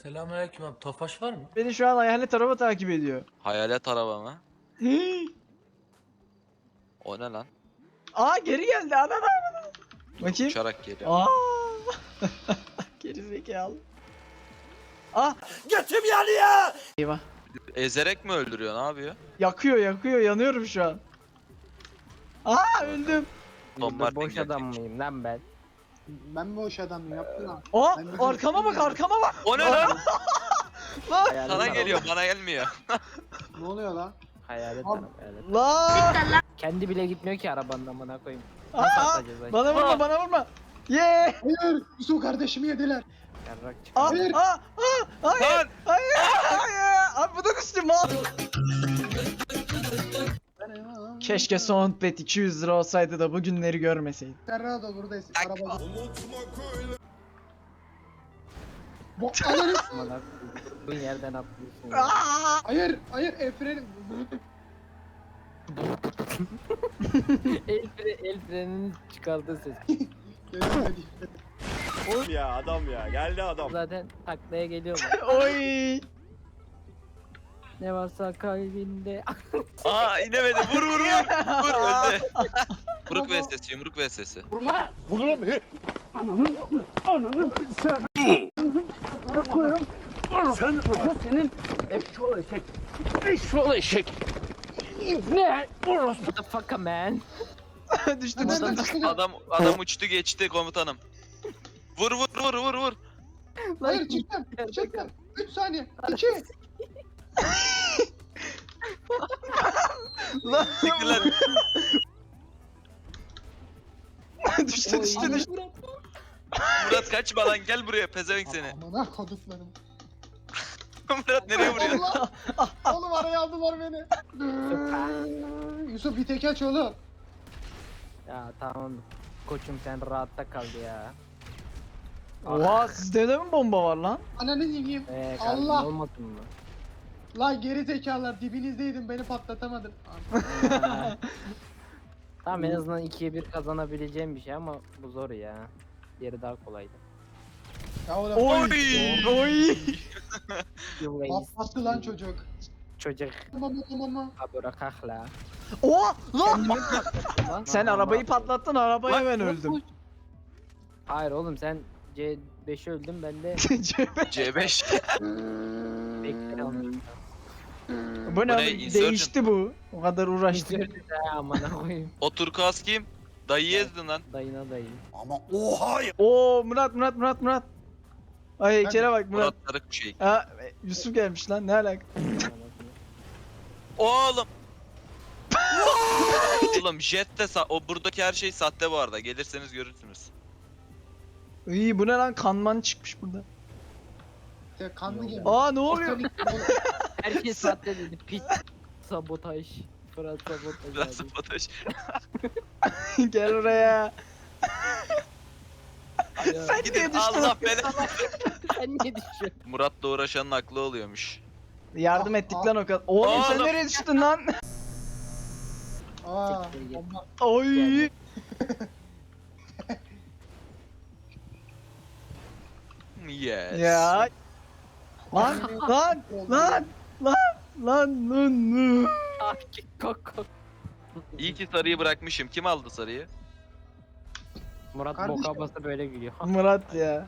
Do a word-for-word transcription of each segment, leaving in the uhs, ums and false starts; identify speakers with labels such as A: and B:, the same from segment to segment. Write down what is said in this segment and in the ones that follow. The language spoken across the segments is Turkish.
A: Selamünaleyküm abi. Tofaş var mı?
B: Beni şu an hayalet araba takip ediyor.
C: Hayalet araba mı? O ne lan?
B: Aa geri geldi ana ana. Bakayım.
C: Uçarak geliyor.
B: Aa. Geri zekalı. Ah
A: Götüm yanıyor.
B: eyvah.
C: Ezerek mi öldürüyor? Ne yapıyor?
B: Yakıyor yakıyor yanıyorum şu an. Aa öldüm.
C: Tom
D: Ben
C: Martin
D: boş adam
C: gelecek.
D: mıyım lan ben?
E: Ben boş adamım yaptın lan.
B: Aa
E: Ben bir
B: arkama bak
E: göstereyim.
B: arkama bak.
C: O ne lan?
B: Lan.
D: Hayalet
C: Sana
D: araba.
C: geliyor, bana gelmiyor.
E: Ne oluyor lan?
D: Hayalet
E: Abi.
D: araba, hayalet.
B: Lan.
D: Kendi bile gitmiyor ki arabanın amına koyayım.
B: Aa,
D: Nasıl atacağız acaba?
B: bana vurma bana vurma. Ye.
E: Hayır! Yusuf kardeşimi yediler.
D: Yarrak
B: Aa,
D: çıkıyor.
E: Hayır.
B: aa, aa, hayır,
C: Lan!
B: hayır, hayır. Abi bu da düştü mal. Keşke Soundpad iki yüz lira olsaydı da bu günleri görmeseydim.
E: Serrado buradayız.
C: Ay.
E: Arabada. Bu ananı...
D: Amına koyduğun yerden atlıyorsun. ya.
B: Aa!
E: Hayır! Hayır! El freni.
D: el, fre el freninin çıkardığı ses.
E: Gelemedim.
F: ya adam ya geldi adam.
D: Zaten taklaya geliyor.
B: Oy.
D: Ne varsa kalbinde.
C: Aa inemedi. Vur vur vur. Vur öldü. Yumruk ve sesi, yumruk ve sesi.
D: What the fuck man?
B: düştü
E: Ananı
B: düştü.
E: düştü.
C: Adam adam uçtu geçti komutanım. Vur vur vur vur vur.
E: Hayır çıktım. Çıktım. üç saniye. iki.
B: Lan
C: Siktir lan.
B: düştü düştü düştü.
C: Murat kaçma lan, gel buraya pezevenk seni.
E: Amına koduklarım.
C: Murat nereye vuruyor?
E: Allah! Oğlum araya aldılar beni. Yusuf bir tek aç oğlum.
D: Ya tamam. Koçum sen rahatta kal ya.
B: Oha sizde de mi bomba var lan?
E: Ananı yiyeyim.
D: Eee
E: Allah!
D: olmasın mı?
E: Lan geri zekalar dibinizdeydim beni patlatamadın.
D: Tamam en azından ikiye bir kazanabileceğim bir şey ama bu zor ya. Diğeri daha kolaydı.
E: Ya oğlum.
B: Oy. Oy.
D: You waste.
E: Patlattı lan çocuk.
D: Çocuk.
E: Mama mama.
D: Abura kahla.
B: Oha lan.
D: Kendimi patlattım lan.
B: Sen
D: Lan,
B: arabayı
D: lan.
B: patlattın arabaya
C: Lan,
B: ben
C: lan,
B: öldüm.
D: Hayır oğlum sen C beşi öldün ben de
C: C beş.
D: bekle almışım.
B: Bu ne
C: Bu ne,
B: abi?
C: Insurgent?
B: Değişti bu. O kadar uğraştık.
D: Gördün ha amına koyayım.
C: O turkuaz kim? Dayıyı ezdin lan.
D: Dayına dayı.
F: Ama oha ya.
B: Oo Murat Murat Murat Murat. Ay heykele bak Murat.
C: Murat Tarık bir şey.
B: Ha Yusuf gelmiş lan ne alaka?
C: Oğlum. Oğlum jet de sa- o buradaki her şey sahte bu arada. Gelirseniz görürsünüz.
B: İyi bu ne lan kanman çıkmış burada.
E: Ya kanlı gemi.
B: Aa ne oluyor?
D: Herkes sahte dedi. Pit. Sabotaj. Fırat sabotaj.
C: Biraz
D: abi.
C: sabotaj.
B: Gel oraya.
D: Ya,
B: Sen niye
C: Gidin
B: düştün?
C: Allah belanı.
D: Sen niye düşüyorsun?
C: Murat'la uğraşanın aklı oluyormuş.
B: Yardım
E: Aa,
B: ettik
E: aa.
B: lan o kadar. Oğlum sen
C: Oğlum.
B: nereye düştün lan?
E: Aa.
D: Siktir git.
E: bomba.
B: Oy.
C: Yes.
B: Ya. Lan lan lan lan lan lan.
D: Ah ki kok.
C: İyi ki sarıyı bırakmışım. Kim aldı sarıyı?
D: Murat
E: Kardeşim.
D: boka basa böyle gülüyor.
B: Murat ya.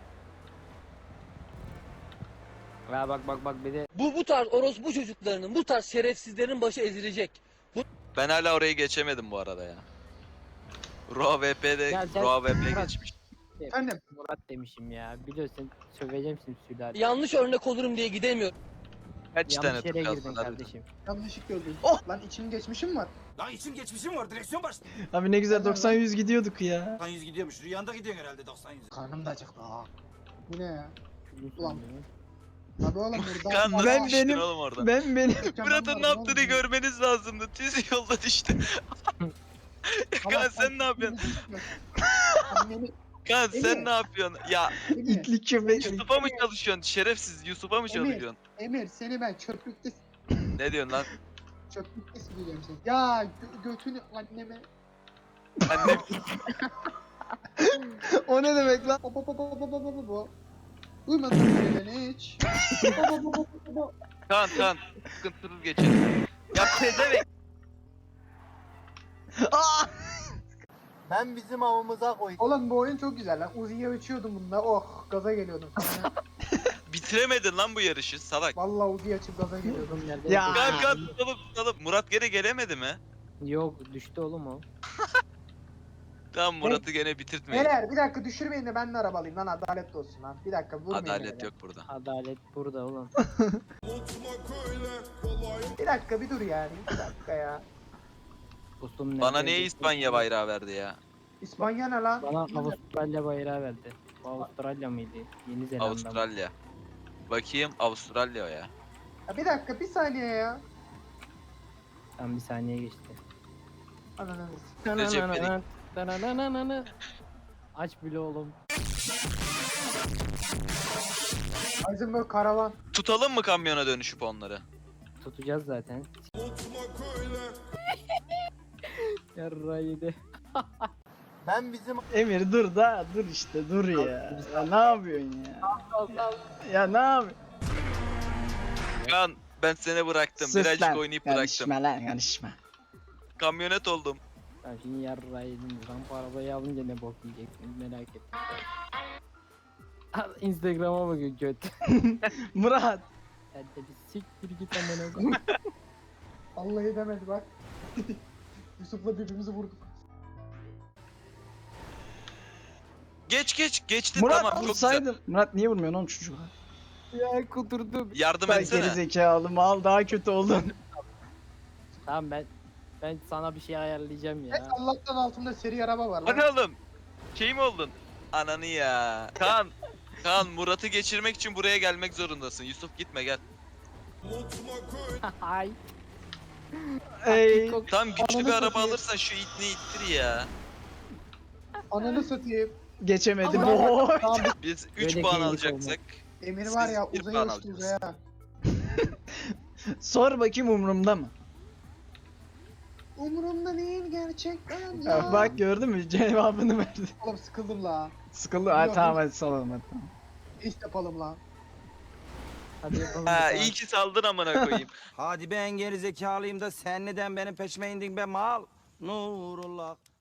D: Ya bak bak bak bir de
G: Bu bu tarz orospu çocuklarının, bu tarz şerefsizlerin başı ezilecek.
C: Ben hala orayı geçemedim bu arada ya. Raw V P'de
D: Gel, gel.
C: Raw V P
D: Murat.
C: geçmiş.
E: Efendim.
D: Murat demişim ya. Biliyorsun söveceğim şimdi Sülale.
G: Yanlış örnek olurum diye gidemiyorum.
C: Kaç tane
D: Yanlış yere
C: tur
D: girdin
C: kaldın?
D: kardeşim.
E: Yanlışlık gördüm.
B: Oh!
E: Lan içim geçmişim var.
F: Lan için geçmişim var direksiyon başladı.
B: Abi ne güzel doksan yüz gidiyorduk ya.
F: doksan yüz gidiyormuş. Rüyanda gidiyorsun herhalde doksan yüz.
E: Karnım da acıktı ha. Bu ne ya?
D: Biliyorsun
E: Ulan.
D: beni.
E: Tabii oğlum burada.
C: Kan nasıl
B: Ben
C: düştün
B: benim-
C: oğlum oradan?
B: Ben benim
C: Murat'ın ne yaptığını görmeniz lazımdı. Tiz yolda düştü. Kan sen ne yapıyorsun?
E: Anneni
C: Kan sen
E: Emir.
C: ne yapıyorsun? Ya
E: Emir,
B: itlik köpek.
C: Yusuf'a mı çalışıyorsun? Şerefsiz Yusuf'a mı
E: Emir.
C: çalışıyorsun?
E: Emir seni ben çöplükte
C: Ne diyorsun lan?
E: çöplükte sileceğim seni. Ya gö- götünü anneme.
C: Annem
B: O ne demek lan?
E: Bo bo bo bo bo bo bo bo bo. Uymadın söylene hiç. Baba, baba, baba.
C: Kaan Kaan sıkıntısız geçelim. Ya pezevenk.
B: Aa!
G: Ben bizim avımıza koy.
E: Oğlum bu oyun çok güzel lan. Uzi'ye uçuyordum bununla. Oh gaza geliyordum.
C: Bitiremedin lan bu yarışı salak.
E: Vallahi Uzi'yi açıp gaza geliyordum.
D: Oğlum nerede?
B: Ya.
C: Kaan Kaan tutalım tutalım. Murat gene gelemedi mi?
D: Yok düştü oğlum o.
C: Tamam Murat'ı gene bitirtmeyin.
E: Beyler bir dakika düşürmeyin de ben de arabalıyım lan adaletli olsun lan. Bir dakika vurmayın.
C: Adalet
E: beni.
C: yok burada.
D: Adalet burada oğlum.
E: Bir dakika bir dur yani. Bir dakika ya.
D: Dostum
C: Bana
D: nerede?
C: niye İspanya bayrağı verdi ya?
E: İspanya ne lan?
D: Bana Avustralya bayrağı verdi. Bu Avustralya mıydı? Yeni Zelanda mı?
C: Avustralya. Bakayım Avustralya o ya.
E: Ya bir dakika bir saniye ya.
D: Tam bir saniye geçti.
E: Ananı.
C: Recep İvedik.
D: Tananana. Aç bile oğlum.
E: Heisenberg karavan.
C: Tutalım mı kamyona dönüşüp onları?
D: Tutacağız zaten. Yarraydı.
G: Ben bizim
B: Emir dur da dur işte dur ya. Ya ne yapıyorsun ya? Ya ne yapıyorsun?
C: Kaan ben seni bıraktım.
B: Sus
C: Birazcık
B: lan.
C: oynayıp bıraktım.
B: Karışma lan karışma.
C: Kamyonet oldum.
D: Ben şimdi yarraydım. Rampa arabayı alınca ne bok yiyeceksin merak ettim. Al Instagram'a bakın göt.
B: Murat.
D: Sen de bir siktir git amına koyayım.
E: Vallahi demedi bak. Yusuf'la birbirimizi vurduk.
C: Geç geç geçti
B: Murat
C: tamam çok güzel.
B: vursaydın. Murat niye vurmuyorsun oğlum çocuğa?
D: Ya kudurdum.
C: Yardım
B: Ben
C: etsene.
B: geri zekalı mal daha kötü oldun.
D: Tamam ben ben sana bir şey ayarlayacağım
E: Evet,
D: ya.
E: Allah'tan altımda seri araba var lan.
C: Hadi oğlum. Şey mi oldun? Ananı ya. Kaan. Kaan Murat'ı geçirmek için buraya gelmek zorundasın. Yusuf gitme gel.
D: Ay.
B: Ey.
C: Tam güçlü
E: Ananı
C: bir araba
E: satayım.
C: alırsan şu itni ittir ya.
E: Ananı satayım.
B: Geçemedi
E: Ama-
B: boy.
E: Tamam
C: Biz üç
D: Böyle
C: puan
D: geylik
C: alacaksak.
E: Emir var ya
C: Siz bir
E: uzaya
C: puan
E: uçtu
C: alacaksınız.
E: uzaya.
B: Sor bakayım umurumda mı?
E: Umurumda değil gerçekten
B: Ya
E: ya.
B: bak gördün mü cevabını verdi.
E: Oğlum sıkıldım la.
B: Sıkıldı. Ha
E: Yok,
B: tamam
E: yok.
B: hadi salalım hadi tamam.
E: İş yapalım la.
D: Hadi yapalım.
C: Ha
D: bir
C: iyi ki saldın amına koyayım.
F: Hadi ben geri zekalıyım da sen neden benim peşime indin be mal? Nurullah.